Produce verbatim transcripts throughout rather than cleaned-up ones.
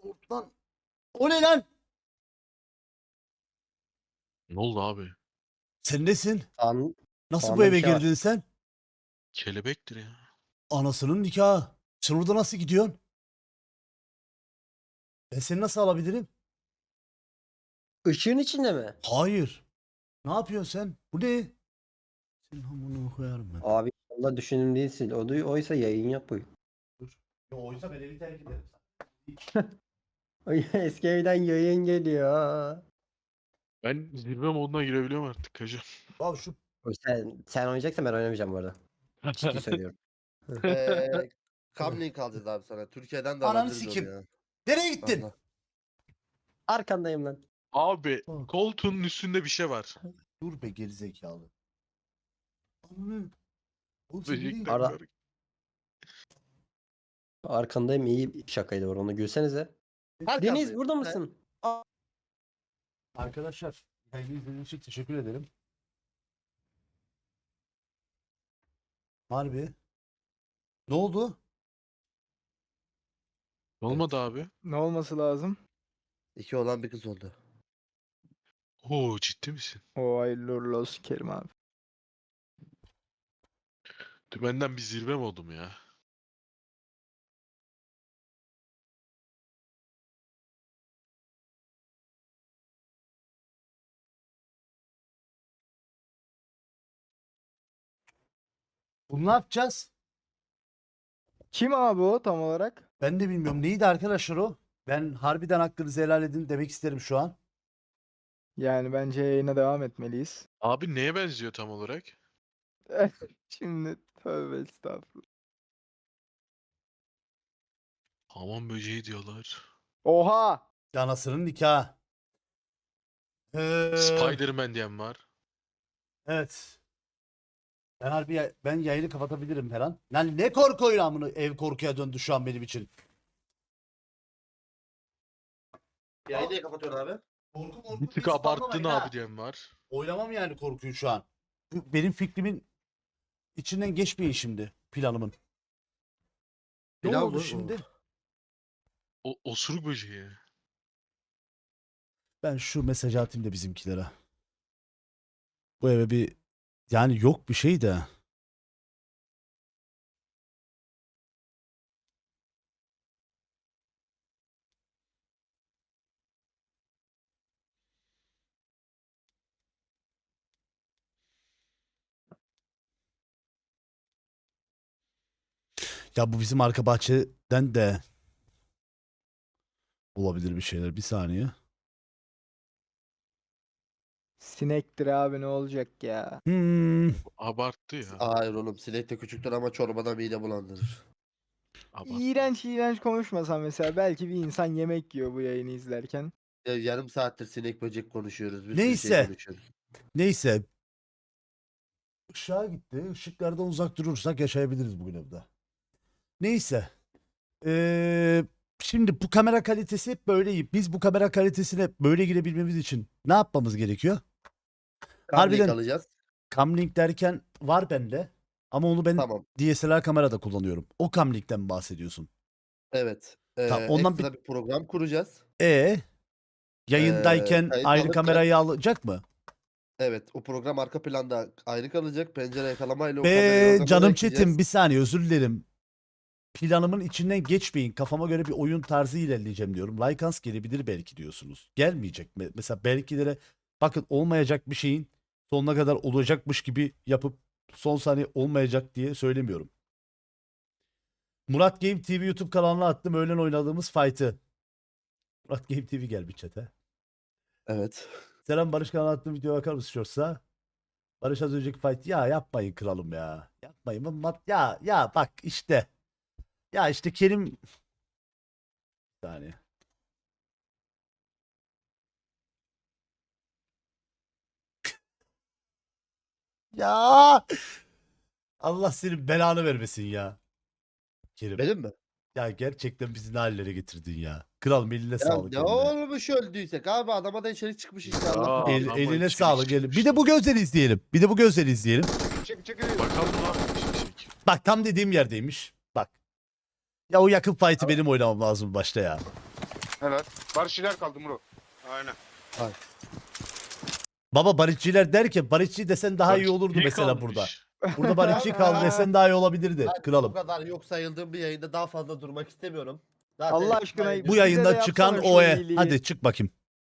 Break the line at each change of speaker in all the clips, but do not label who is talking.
Lan. O ne lan?
Ne oldu abi?
Sen nesin?
An
Nasıl bu
Anda bir
eve
şey var.
girdin sen?
Kelebektir ya.
Anasının nikahı. Sen orada nasıl gidiyorsun? Ben seni nasıl alabilirim?
ışığın içinde mi?
Hayır. Ne yapıyorsun sen? Bu ne? Senin hamurunu koyarım ben.
Abi Allah düşündüğüm değilsin. O da oysa yayın yapıyor.
Dur. Yo, oysa ben evi terk ederim.
Ay, eski evden yayın geliyor.
Ben zirve moduna girebiliyorum artık hacı.
Abi şu
Oy, Sen, sen oynayacaksan ben oynamayacağım bu arada. Ciddi söylüyorum.
Eee Comlink alacağız abi sana. Türkiye'den de
Ananı
alabiliriz onu
sikim.
ya.
nereye gittin?
Allah.
Arkandayım lan.
Abi
Bak.
koltuğun üstünde bir şey var.
Dur be gerizekalı. Ananı. Oğlum sen nereye
Böcekler
gittin?
Ara-
var.
Arkandayım, iyi bir şakaydı var, onu gülsenize. Deniz
Arkandayım.
burada mısın?
Arkadaşlar yayını izlediğiniz için teşekkür ederim. Harbi. Ne oldu?
Ne olmadı abi?
Ne olması lazım?
İki olan bir kız oldu.
Oo ciddi misin?
O hayırlı uğurlu olsun Kerim abi.
Dümenden bir zirve modum ya.
Bunu ne yapacağız?
Kim abi o tam olarak?
Ben de bilmiyorum. Neydi arkadaşlar o? Ben harbiden hakkınızı helal edin demek isterim şu an.
Yani bence yayına devam etmeliyiz.
Abi neye benziyor tam olarak?
Şimdi tövbe estağfurullah.
Hamam böceği diyorlar.
Oha!
Anasının nikahı. Ee,
Spider-Man diyen var.
Evet. Ben harbi ya- ben yayını kapatabilirim her an. Lan ne korku oyunu amına, ev korkuya döndü şu an benim için.
Yayını niye kapatıyorsun abi?
Korku korku
Bir tık
diye
abarttın
spamlamayın ha.
abi diyen var.
Oynamam yani korkuyu şu an. Bu benim fikrimin içinden geçmeyin şimdi planımın. Ne
Plan
oldu
bu.
şimdi?
O osuruk böceği.
Ben şu mesajı atayım da bizimkilere. Bu eve bir yani yok bir şey de. Ya bu bizim arka bahçeden de olabilir bir şeyler. Bir saniye.
Sinektir abi, ne olacak ya?
Hmm.
Abarttı ya.
Hayır oğlum sinek de küçüktür ama çorbada mide bulandırır.
Abarttı.
İğrenç iğrenç konuşmasam mesela, belki bir insan yemek yiyor bu yayını izlerken.
Ya yarım saattir sinek böcek konuşuyoruz. Bir
Neyse.
sürü şey konuşuyoruz.
Neyse. Işığa gitti. Işıklardan uzak durursak yaşayabiliriz bugün evde. Neyse. Ee, şimdi bu kamera kalitesi hep böyle iyi. Biz bu kamera kalitesine böyle girebilmemiz için ne yapmamız gerekiyor?
Comlink
Harbiden-
alacağız.
Camlink derken var bende. Ama onu ben
Tamam.
D S L R kamerada kullanıyorum. O Camlink'ten mi bahsediyorsun?
Evet. Ee,
Tamam, ondan
ekstra bir... program kuracağız.
E yayındayken
kayıt
ayrı
alırken-
kamerayı alacak mı?
Evet. O program arka planda ayrı kalacak. Pencere yakalamayla o
Be
kamerayı oradan
canım
oraya
çetim
ekleyeceğiz.
bir saniye özür dilerim. Planımın içinden geçmeyin. Kafama göre bir oyun tarzı ilerleyeceğim diyorum. Lycans gelebilir belki diyorsunuz. Gelmeyecek mi? Mesela belkilere bakın olmayacak bir şeyin sonuna kadar olacakmış gibi yapıp son saniye olmayacak diye söylemiyorum. Murat Game T V YouTube kanalına attım öğlen oynadığımız fight'ı. Murat Game T V gel bir chat'e.
Evet.
Selam Barış kanalına attığım videoya bakar mısın Shorts'a? Barış az önceki fight ya yapmayın kralım ya. Yapmayın. Mat ya ya bak işte. Ya işte Kerim bir saniye. Ya Allah senin belanı vermesin ya. Kerim.
Benim mi?
Ya gerçekten bizi ne hallere getirdin ya. Kral eline
Ya
sağlık.
ne
eline.
olmuş öldüysek abi adama da içerik çıkmış işte
Ya.
Allah.
El-
Adama
eline
içerik
sağlık. El- Bir
çıkmış.
de bu gözleri izleyelim. Bir de bu gözleri izleyelim.
Bakalım ne yapmış çek.
Bak tam dediğim yerdeymiş. Bak. Ya o yakın fight'ı benim oynamam lazım başta ya.
Evet. Barışçılar kaldı Muro.
Aynen.
Baba barışçılar derken barışçı desen daha iyi
Barış
olurdu
iyi
mesela
kalmış.
burada. Burada barışçı kaldı desen daha iyi olabilirdi.
Ben bu
Kralım.
kadar yok sayıldığım bir yayında daha fazla durmak istemiyorum. Zaten
Allah aşkına
ben-
Bu
Bize de
yayında
yapsana
çıkan
şu
O'ya.
iyiliği.
Hadi çık bakayım.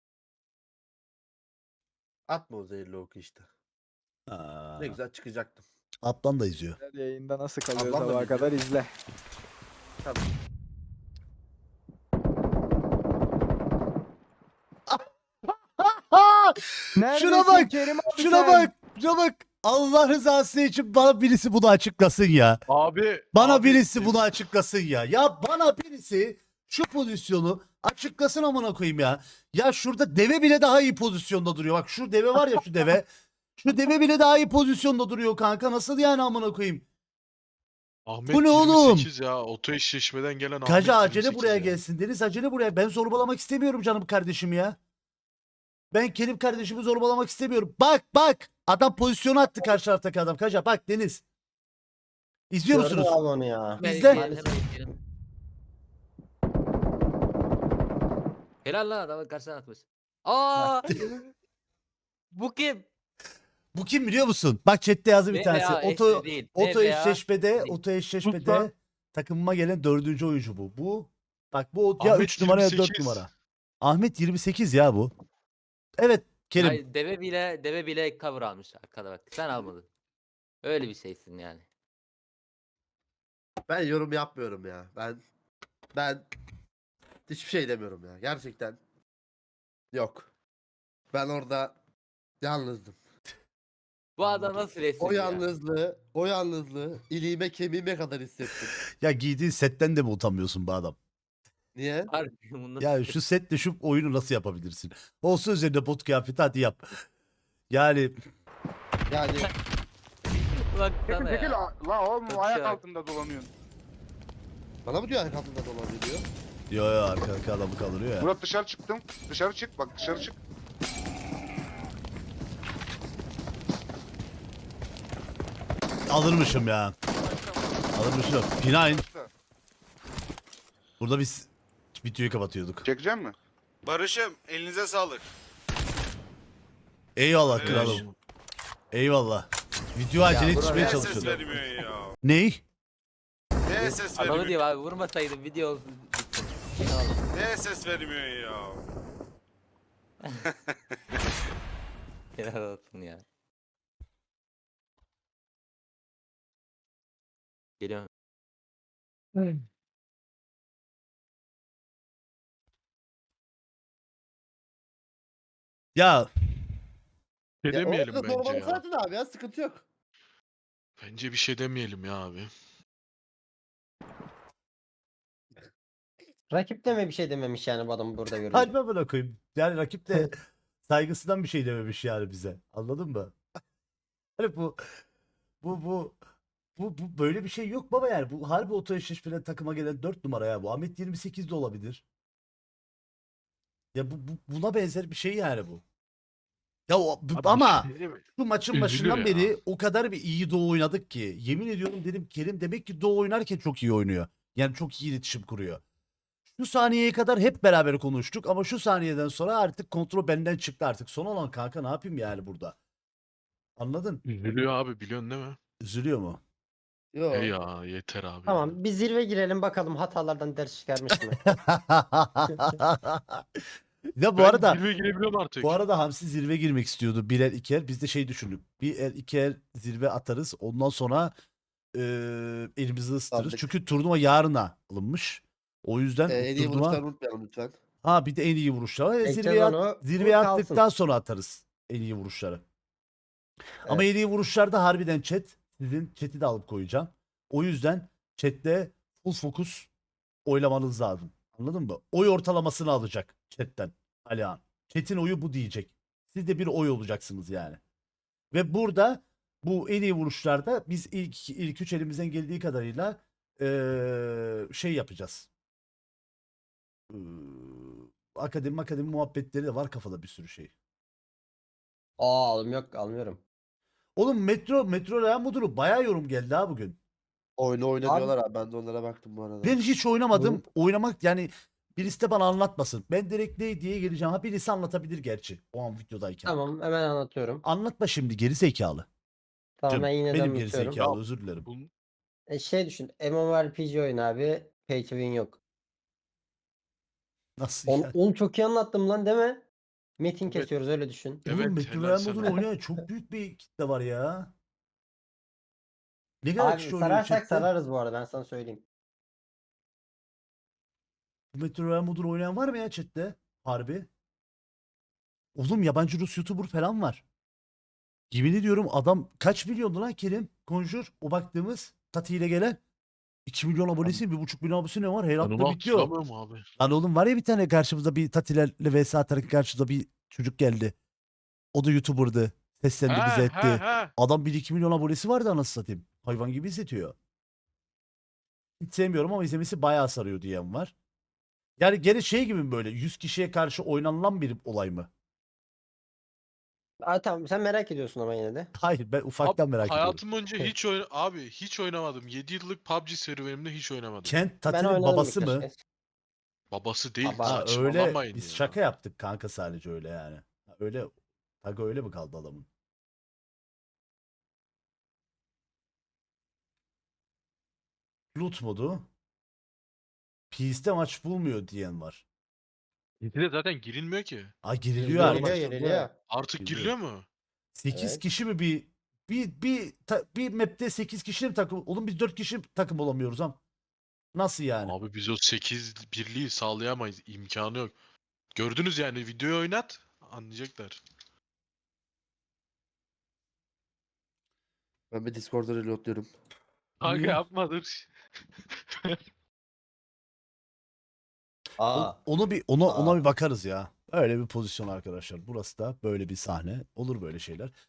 Atma o zehirli oku işte.
Aa,
Ne güzel çıkacaktım.
Ablam da izliyor.
Yayında nasıl kalıyor
Ablam da
sabaha
biliyor.
kadar izle.
Tabii.
Neredesin
Şuna bak.
Kerim abi
Şuna
sen?
bak. Şuna bak. Allah rızası için bana birisi bunu açıklasın ya.
Abi.
Bana
abi,
birisi bunu açıklasın ya. Ya bana birisi şu pozisyonu açıklasın amına koyayım ya. Ya şurada deve bile daha iyi pozisyonda duruyor. Bak şu deve var ya şu deve. Şu deve bile daha iyi pozisyonda duruyor kanka. Nasıl yani amına koyayım?
Ahmet
Bu ne oğlum?
yirmi sekiz ya. Oto eşleşmeden gelen
Kaca
Ahmet
acele
yirmi sekiz
buraya
ya.
gelsin. Deniz acele buraya. Ben zorbalamak istemiyorum canım kardeşim ya. Ben Kerim kardeşimi zorbalamak istemiyorum. Bak bak. Adam pozisyonu attı karşı taraftaki adam. Kaca bak Deniz. İzliyor
Gördüm
musunuz?
abi onu ya.
Bizde-
Hemen izleyelim. Helal lan adamın karşısına atmış. Aa! Bu kim?
Bu kim biliyor musun? Bak chatte yazdı bir
Ne
tanesi.
veya
Oto
eşli değil. Ne
oto
veya
eşleşmede,
değil.
oto eşleşmede
Lütfen.
takımıma gelen dördüncü oyuncu bu. Bu bak bu o- ya
Ahmet
üç numara ya
yirmi
dört
sekiz.
numara. Ahmet yirmi sekiz ya bu. Evet Kerim.
Ay, deve bile deve bile cover almış arkada bak. Sen almadın. Öyle bir şeysin yani.
Ben yorum yapmıyorum ya. Ben ben hiçbir şey demiyorum ya. Gerçekten yok. Ben orada yalnızdım.
Bu adam nasıl resim
O
ya?
yalnızlığı, o yalnızlığı iliğime kemiğime kadar hissettim.
Ya giydiğin setten de mi utanmıyorsun bu adam?
Niye?
Harbi bunu nasıl-
Ya şu setle şu oyunu nasıl yapabilirsin? Olsun üzerinde bot kıyafeti hadi yap. Yani
Yani
Baksana
Çekil çekil.
ya.
La oğlum
Çok
ayak
şey.
altında dolanıyorsun.
bana mı diyor ayak altında dolanıyor?
yo yo arka adamı kaldırıyor ya.
Murat dışarı çıktım. Dışarı çık bak dışarı çık.
Alırmışım ya. Alırmışım. Pinayn. Burada biz videoyu kapatıyorduk.
Çekecek mi?
Barış'ım elinize sağlık.
Eyvallah
Evet.
kralım. Eyvallah. Video acele
bura-
yetişmeye
Niye ses
çalışıyordum.
vermiyor ya?
Ney?
Niye ses
Adamı
vermiyor?
diyor abi vurmasaydım video olsun. bitsin. Tamam.
Niye ses vermiyor ya?
Helal olsun ya. Geliyorum.
Ya
Bir şey
Ya
demeyelim
orada
bence
normal
ya.
zaten abi ya sıkıntı yok.
Bence bir şey demeyelim ya abi.
Rakip de mi bir şey dememiş yani bu adam burada görünce?
kalbe bırakayım. Yani rakip de saygısından bir şey dememiş yani bize. Anladın mı? Hani bu bu bu bu, bu böyle bir şey yok baba yani. Bu harbi oto eşleşmeden takıma gelen dört numara ya bu. Ahmet yirmi sekiz de olabilir. Ya bu, bu buna benzer bir şey yani bu. Ya o, bu-
Abi bir
ama
şey değil mi?
şu maçın
Üzülür
başından
ya.
beri o kadar bir iyi Doğu oynadık ki. Yemin ediyorum dedim Kerim demek ki Doğu oynarken çok iyi oynuyor. Yani çok iyi iletişim kuruyor. Şu saniyeye kadar hep beraber konuştuk ama şu saniyeden sonra artık kontrol benden çıktı artık. Son olan kanka ne yapayım yani burada? Anladın?
Üzülüyor abi biliyorsun değil mi?
Üzülüyor mu?
Yok.
Hey ya yeter abi. ya.
Tamam bir zirve girelim bakalım hatalardan ders çıkarmış mı?
Ya bu
Ben
arada
zirveye girebiliyorum artık.
bu arada Hamsi zirve girmek istiyordu. Bir el iki el. Biz de şey düşündük. Bir el iki el zirve atarız. Ondan sonra eee, elimizi ısıtırız.
Aldık.
Çünkü turnuva yarına alınmış. O yüzden
Ee, en iyi
turnuva...
vuruşları unutmayalım lütfen.
Ha bir de en iyi vuruşlar var. E,
Ekleyeceğiz
zirveye, at-
onu,
zirveye
bu kalsın.
attıktan sonra atarız en iyi vuruşları. Ama en iyi vuruşlarda harbiden chat. Sizin chat'i de alıp koyacağım. O yüzden chatte full fokus oylamanız lazım. Anladın mı? Oy ortalamasını alacak chatten Alihan. Chat'in oyu bu diyecek. Siz de bir oy olacaksınız yani. Ve burada bu en iyi vuruşlarda biz ilk ilk üç elimizden geldiği kadarıyla eee, şey yapacağız. Eee, akademi akademi muhabbetleri de var kafada bir sürü şey.
Aa alım yok almıyorum.
Oğlum Metro Metro Real Mudur'u bayağı yorum geldi ha bugün.
Oyunu oyna
Abi-
diyorlar abi. Ben de onlara baktım bu arada.
Ben hiç oynamadım.
Hı.
Oynamak yani Birisi de bana anlatmasın. Ben direkt ne diye geleceğim. Ha birisi anlatabilir gerçi. O an videodayken.
Tamam hemen anlatıyorum.
Anlatma şimdi geri zekalı.
Tamam
Canım,
ben yine de
benim geri
anlatıyorum.
zekalı özür dilerim.
Bunun
E, şey düşün. MMORPG oyun abi. Pay to win yok.
Nasıl
On,
yani?
onu çok iyi anlattım lan değil mi? Metin
Evet.
kesiyoruz öyle düşün.
Evet,
Oğlum Battle
helal
Royale
sana.
modunu oynayan çok büyük bir kitle var ya. Ne kadar
Abi
kişi oynuyor
sararsak
chatte?
sararız bu arada ben sana söyleyeyim.
Bu Battle Royale modunu oynayan var mı ya chatte? Harbi. Oğlum yabancı Rus YouTuber falan var. Yemin ediyorum adam kaç milyondu lan Kerim? Conjure o baktığımız Tati ile gelen. iki milyon abonesi, bir buçuk milyon abonesi ne var? Her
ben
hafta
onu
bitiyor.
hatırlamıyorum abi.
Lan oğlum var ya bir tane karşımızda bir Tatilerle vs atarak karşımıza bir çocuk geldi. O da YouTuber'dı. Seslendi bize
Ha,
etti.
ha, ha.
Adam bir iki milyon abonesi vardı anasını satayım. Hayvan gibi izletiyor. Hiç sevmiyorum ama izlemesi bayağı sarıyor diyen var. Yani gene şey gibi mi böyle yüz kişiye karşı oynanılan bir olay mı?
Aa, tamam sen merak ediyorsun ama yine de.
Hayır ben ufaktan
Abi,
merak ediyorum.
hayatım boyunca hiç oyna abi hiç oynamadım. yedi yıllık P U B G serüvenimde hiç oynamadım.
Kent
Ben
Tati'nin
oynadım
babası
birkaç
mı?
kez.
Babası değil.
Baba.
Ha öyle
Saçmalamayın
biz
ya.
şaka yaptık kanka sadece öyle yani. Ha, öyle Taga öyle mi kaldı adamın? Loot modu. P S'te maç bulmuyor diyen var.
yedide zaten girilmiyor ki.
Ha giriliyor
Giriliyor
artık.
giriliyor giriliyor.
Artık
Giriliyor.
giriliyor mu?
sekiz
Evet.
kişi mi bir bir bir ta- bir map'te sekiz kişi mi takım? Oğlum biz dört kişi takım olamıyoruz ha. Nasıl yani?
Abi biz o sekiz birliği sağlayamayız. İmkanı yok. Gördünüz yani videoyu oynat anlayacaklar.
Ben bir Discord'da reloadluyorum.
Kanka
Niye?
yapmadır.
O-
Aa.
onu bir ona ona
Aa.
bir bakarız ya. Öyle bir pozisyon arkadaşlar. Burası da böyle bir sahne. Olur böyle şeyler.